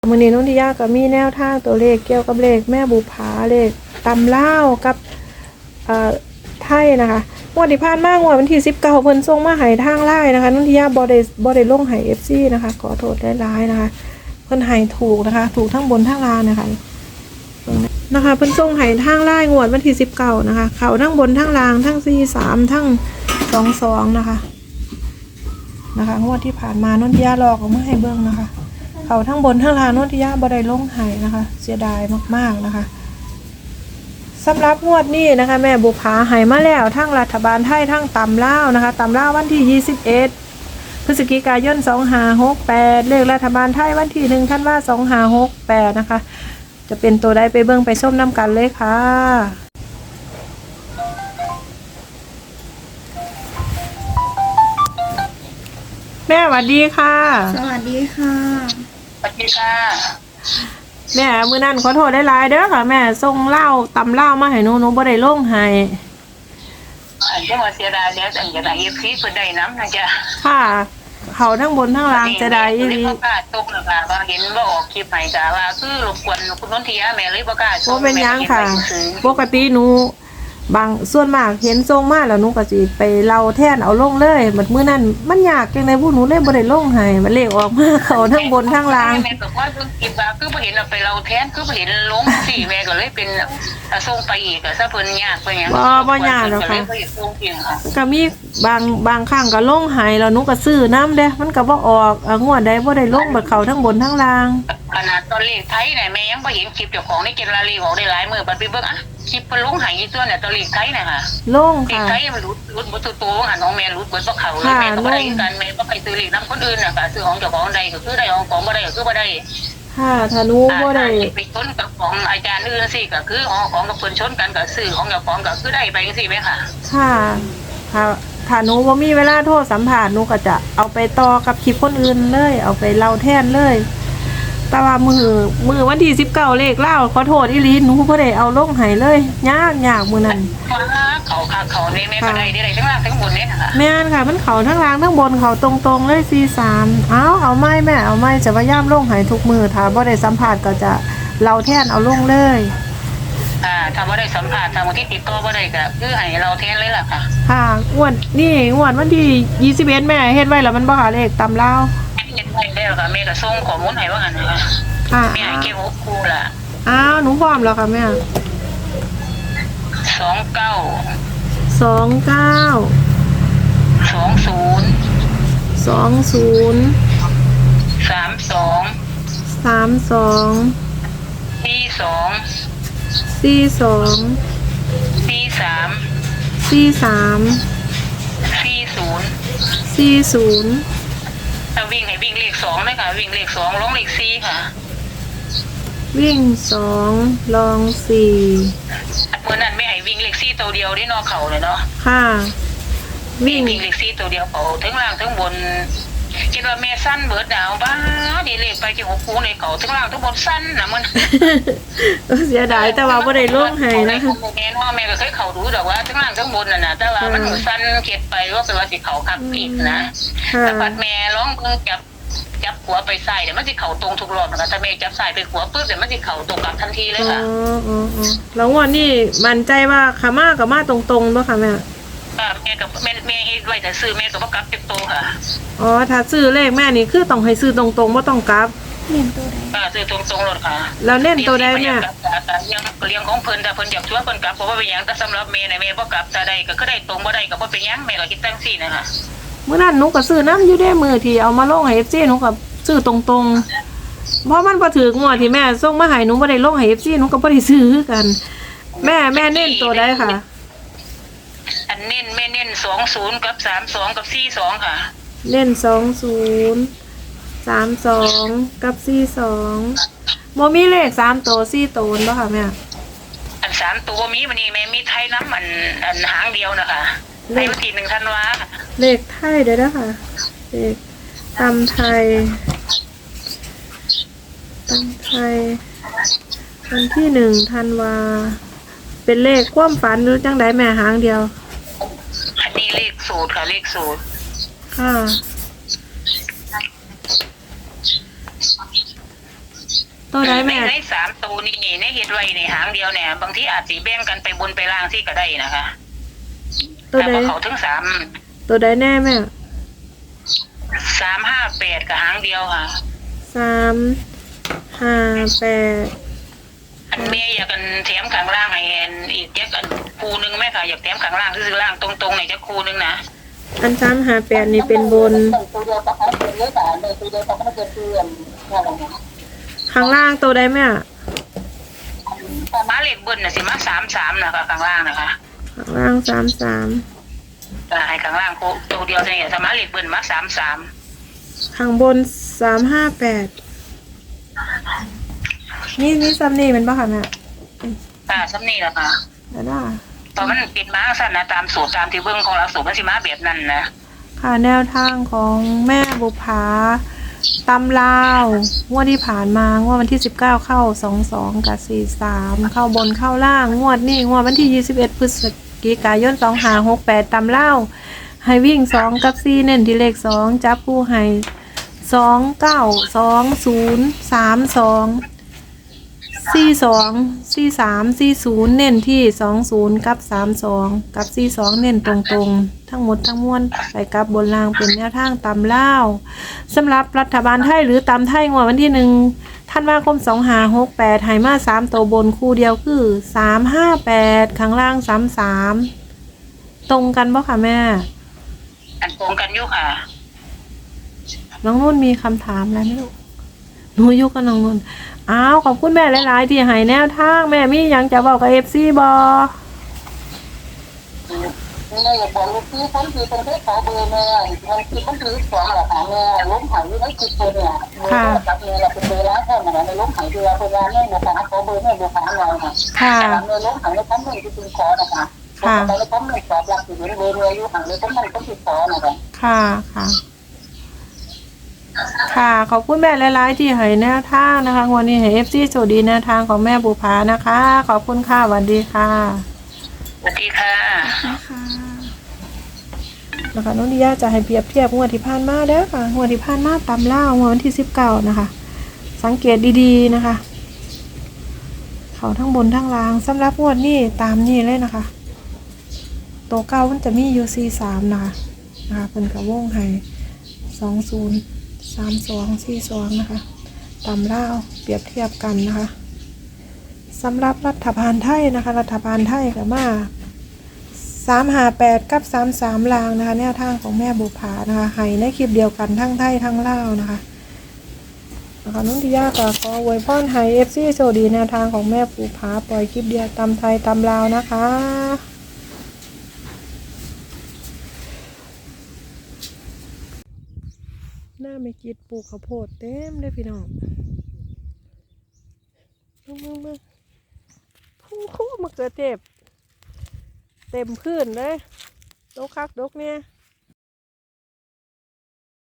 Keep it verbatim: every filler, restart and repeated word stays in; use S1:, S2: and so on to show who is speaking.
S1: มื้อนี้นนทิยาก็มีแนวทางตัวเลขเกี่ยวกับเลขแม่บุภาเลขตำลาวกับเอ่อไทยนะคะงวดที่ผ่านมางวดวันที่สิบเก้าเพิ่นส่งมาให้ทางไลน์นะคะนนทิยาบ่ได้บ่ได้ลงให้ เอฟ ซี นะคะขอโทษหลายๆนะคะเพิ่นให้ถูกนะคะถูกทั้งบนทั้งล่างนะคะนะคะเพิ่นส่งให้ทางไลน์งวดวันที่สิบเก้านะคะเข้าทั้งบนทั้งล่างทั้งสี่สามทั้งสองสองนะคะนะคะงวดที่ผ่านมานนทิยาลอกออกมาให้เบิ่งนะคะเขาทั้งบนทั้งล่างนนทิยาบ่ได้ลงให้นะคะเสียดายมากๆนะคะสำหรับงวดนี้นะคะแม่บุภาให้มาแล้วทั้งรัฐบาลไทยทั้งตำลาวนะคะตำลาววันที่ยี่สิบเอ็ดพฤศจิกายนสองห้าหกแปดเลขรัฐบาลไทยวันที่หนึ่งธันวาคมสองห้าหกแปดนะคะจะเป็นตัวใดไปเบิ่งไปส้มน้ำกันเลยค่ะแม่สวัสดีค่ะ
S2: สวัสดีค่ะ
S3: สวัสดีค่ะ
S1: แม่มื้อนั้นขอโทษหลายๆเด้อค่ะแม่ส่งเหล้าตำเหล้ามาให้หนูหนูบ่ได้ลงให้
S3: อันที่มาเสียดายแล้วอันจะไหนเอฟซีเพิ่นได้น้ำนะจ๊ะ
S1: ค่ะเขาทั้งบนทั้งล่างจะได้อีหลี
S3: บ่กล้าตกนะค่ะว่าเห็นว่าออกคลิปให้จ้ะว่าคือรบกวนคุณนนทิยาแม่เลยบ่กล้า
S1: บ่เป็นหยังค่ะปกติหนูบางส่วนมากเห็นทรงมาแล้วหนูก็สิไปเล่าแทนเอาลงเลยบัดมื้อนั้นมันยากจังได๋พวกหนูเลยบ่ได้ลงให้มันเลขออกมาเขาทั้งบนทั้งล่าง
S3: แม่ก็ว่าเพิ่นคิดว่าคือบ่เห็นเอาไปเล่าแทนคือบ่เห็นลงสิแม่ก็เลยเป็นส่งไปอีกก็ซะเพิ่นยากไปหยัง
S1: บ่บ่ยากหรอกค่ะก็มีบางบางครั้งก็ลงให้แล้วหนูก็ซื้อนำเด้มันก็บ่ออกงวดใดบ่ได้ลงบัดเขาทั้งบนทั้งล่าง
S3: ขนาดตอนเลขไทยน่ะแม่ยังบ่เห็นคลิปเจ้าของในเกณฑ์ลาลีออกได้หลายมื้อบัดไปเบิ่งอ่ะคลิปเพิ่นลงให้อีตัวเนี่ยตอนเลขไทยน่ะค่ะ
S1: ลง
S3: ค่ะเลขไทยมันรุดรุดบ่ตัวโตหันของแม่รุดเบิดบ่เข้าเลยแม่ก็บ่ได้กันแม่บ่ไปซื้อเลขนำคนอื่นน่ะค่ะซื้อของเจ้าของใดก็คือได้ของของบ่ได้ก็คือบ่ได้
S1: ค่ะถ้าหนูบ่ได้
S3: ไปชนกับของอาจารย์อื่นสิก็คือของของกับเพิ่นชนกันก็ซื้อของเจ้าของก็คือได้ไปจังซี่แม่ค่ะ
S1: ค่ะค่ะถ้าหนูบ่มีเวลาโทรสัมภาษณ์หนูก็จะเอาไปต่อกับคลิปคนอื่นเลยเอาไปเล่าแทนเลยแต่ว่ามือมือวันที่สิบเก้าเลขเล่าขอโทษอีหลีหนูบ่ได้เอาลงให้เลยยากยากมื้อนั้น
S3: เขาค่ะเขานี่แม่ก็ได้ได้ทั้งล่างทั้งบนนี่ค่ะ
S1: แม่นค่ะมันเขาทั้งล่างทั้งบนเขาตรงๆเลยสี่สามเอ้าเอาไม้แม่เอาไม้จะพยายามลงให้ทุกมือถ้าบ่ได้สัมภาษณ์ก็จะเล่าแทนเอาลงเลย
S3: อ่าถ้าบ่ได้สัมภาษณ์ทางที่ติดต่อบ่ได้ก็คือให้เราแทนเลยล่ะค่ะ
S1: ค่ะงวดนี่งวดวันที่ยี่สิบเอ็ดแม่เฮ็ดไว้แล้วมันบ่หาเลขตำลาว
S3: เฮ็ดไว้แล้วค่ะแม่ก็ส่งข้อมูลให้ว่าหั่นน่ะค่ะแม่ให้เก็บหกคู่ล่ะ
S1: อ้าวหนูพร้อมแล้วค่ะแม่
S3: สองเก้า
S1: สองเก้า
S3: สองศูนย์
S1: สองศูนย์
S3: สามสอง
S1: สามสอง
S3: สี่สอง
S1: สี่สอง
S3: สี่สาม
S1: สี่สาม
S3: สี่ศูนย์
S1: สี่ศูนย์
S3: ถ้าวิ่งให้วิ่งเลขสองเลยค่ะวิ่งเลขสองลงเลขสี่ค่ะ
S1: วิ่งสองลองสี่
S3: เมื่อนั้นไม่ให้วิ่งเลขสี่ตัวเดียวได้นอกเขาเลยเนาะ
S1: ค่ะ
S3: วิ่งวิ่งเลขสี่ตัวเดียวเขาทั้งล่างทั้งบนคิดว่าแม่สั้นเบิดดาวบ้าดีเลขไปที่หกคู่ในเขาทั้งล่างทั้งบนสั้นนะมัน
S1: เสียดายแต่ว่าไม่ได้ลงให้นะคะ
S3: แม่พ่อแม่ก็เคยเขาดูแต่ว่าทั้งล่างทั้งบนน่ะนะแต่ว่ามันสั้นเก็บไปว่าเป็นว่าสิเขาคักอีกนะแต่ปัดแม่ร้องเพิ่งจับจับหัวไปใส่เดี๋ยวมันจะเข่าตรงทุกรอบนะคะถ้าแม่จับใส่ไปหัวปุ๊บเดี๋ยวมันจะเข่าตรงกลับทันทีเลยค่ะ
S1: อ๋ออ๋อแล้ววันนี้มั่นใจว่าขามากับมาตรงๆป่ะคะแม่
S3: แม่กับแม่แม่ให้ไว้แต่ซื้อแม่กับว่ากลับเก็บโตค่ะ
S1: อ๋อถ้าซื้อเลขแม่นี่คือต้องให้ซื้อตรงๆไม่ต้องกลับ
S2: เน้นตัวใด
S3: ค่ะซื้อตรงๆรถค่ะ
S1: แล้วเน้นตัวใดแม่
S3: เลี้ยงเลี้ยงของเพิ่นแต่เพิ่นอยากช่วยเพิ่นกลับเพราะว่าเป็นยังแต่สำหรับแม่ในแม่บ่กลับแต่ใดก็คือได้ตรงบ่ได้ก็บ่เป็นยังแม่ก็คิดตั้งสี่นะคะ
S1: เมื่อนั้นหนูก็ซื้อน้ำอยู่ได้มือที่เอามาลงให้เอฟซีหนูก็ซื้อตรงๆเพราะมันพอถืองวดที่แม่ส่งมาให้หนูบ่ได้ลงให้เอฟซีหนูก็บ่ได้ซื้อกันแม่แม่เน้นตัวใดค่ะ
S3: อันเน้นแม่เน้นสองศูนย์กับสามสองกับสี่สองค่ะ
S1: เน้นสองศูนย์สามสองกับสี่สองโมมีเลขสามตัวสี่ตัวบ่ค่ะแม่
S3: อันสามตัวมีวันนี้แม่มีไทยน้ำอันอันหางเดียวนะคะในวันที่หนึ่งธันวา
S1: เลขไทยเด้อนะคะเลขตำไทยตำไทยวันที่หนึ่งธันวาเป็นเลขความฝันหรือจังไดแม่หางเดียว
S3: อันนี้เลขสูตรค่ะเลขสูตร
S1: ค่ะตัวใดแม่
S3: ในในสามตัวนี่ในเฮ็ดไว้ในหางเดียวเนี่ยบางทีอาจสิแบ่งกันไปบนไปล่างที่ก็ได้นะคะ
S1: ตัว
S3: แต่
S1: ใด
S3: ว่าเขาถึงสาม
S1: ตัวใดแน่แม่
S3: สามห้าแปดกับหางเดียวค่ะ
S1: สามห้าแปด
S3: อันแม่อยากกันแถมข้างล่างให้อันอีกจักอันคูนึงแม่ค่ะอยากแถมข้างล่างซื้อล่างตรงๆในจักคูนึงนะ
S1: อันสามห้าแปดนี่เป็นบน
S3: ตัวเดียวกับเขาเป็นเยอะแต่ในตัวเดียวกับเขาเป็นเพื่อนอะไรนะ
S1: ข้างล่างตัวใดแม่
S3: มาเลขเบิ้ลน่ะสิมาสามสามนะคะข้างล่างนะคะ
S1: ข้างล่างสามสาม
S3: แต่ให้ข้างล่างตัวเดียวเนี่ยสมาเลขเบิ้ลมาสามสาม
S1: ข้างบนสามห้าแปดนี่นี่ซัมนี่เป็นปะคะแม่
S3: ค่ะซ้ำนี่แหละค่ะ
S1: แล้วได้
S3: ตอนมันปิดมาสั้นนะตามสูตรตามที่เบิ้งของเราสูตรมันสิมาแบบนั้นนะ
S1: ค่ะแนวทางของแม่บุภาตำลาวงวดที่ผ่านมางวดวันที่สิบเก้าเข้าสองสองกับสี่สามเข้าบนเข้าล่างงวดนี้งวดวันที่ยี่สิบเอ็ดพฤศจิกายนสองห้าหกแปดตำลาวให้วิ่งสองกับสี่เน้นที่เลขสองจับผู้ให้สองเก้าสองศูนย์สามสองสี่สองสี่สามสี่ศูนย์เน้นที่สองศูนย์กับสามสองกับสี่สองเน้นตรงๆทั้งหมดทั้งมวลไปกับบนล่างเป็นแนวทางตำล่าวสำหรับรัฐบาลไทยหรือตำไทยงวดวันที่หนึ่งธันวาคมสองห้าหกแปดไหมาสามตัวบนคู่เดียวคือสามห้าแปดข้างล่างสามสามตรงกันปะคะแม่
S3: อันตรงกันอยู่ค่ะ
S1: น้องนุ่นมีคำถามอะไรไหมลูกหนูอยู่กับน้องนุ่นอ้าวขอบคุณแม่หลายๆที่ให้แนวทางแม่มีหยังจะบอกกับเอฟซีบอ
S3: แม่อยากบอกลูกพี่คนที่เป็นที่ขอเบอร์แม่มันคือมันคือสองหลักฐานแม่ล้มหายไม่คิดเลยเนี่ยกับแม่เราเป็นเบอร์ล้านแค่ไหนในล้มหายเรือเป็นงานแม่นะคะขอเบอร์แม่ดูขาหน่อยค่ะ
S1: ค่ะ
S3: แม่ล้มหายในคอมเมนต์ที่คุณขอนะคะในคอมเมนต์ตอบรับที่เห็นเบอร์เรืออยู่ห่างในคอมเมนต์ก็ติดต่อนะคะ
S1: ค่ะค่ะ ค่ะขอบคุณแม่หลายๆที่ให้แนวทางนะคะวันนี้ให้เอฟซีโชคดีแนวทางของแม่บุภานะคะ ขอบคุณค่ะสวัสดีค่ะ
S3: สวัสดีค่ะ
S2: นะคะ
S1: นะคะน้องดิยาจะให้เปรียบเทียบงวดที่ผ่านมาเด้อค่ะงวดที่ผ่านมาตามล่างวดวันที่สิบเก้านะคะ สังเกตดีๆนะคะ เขาทั้งบนทั้งล่างสำหรับงวดนี้ตามนี้เลยนะคะตัวเก้ามันจะมีอยู่สี่สามนะคะนะคะเป็นกระวงให้สองศูนย์สามสองสี่สองนะคะตามล่าวเปรียบเทียบกันนะคะสำหรับรัฐบาลไทยนะคะ รัฐบาลไทยกับมาสามห้าแปดกับสามสามลางนะคะแนวทางของแม่บุภานะคะให้ในคลิปเดียวกันทั้งไทยทั้งลาวนะคะนะคะนุ่นทิยาก็ขออวยพรให้เอฟซีโชคดีแนวทางของแม่บุภาปล่อยคลิปเดียวตำไทยตำลาวนะคะหน้าไม่กิดปลูกข้าวโพดเต็มเลยพี่น้องมึงมึงมึงพุ่งคู่มะเขือเทศเต็มพื้นเลยดกคักดกเนี่ย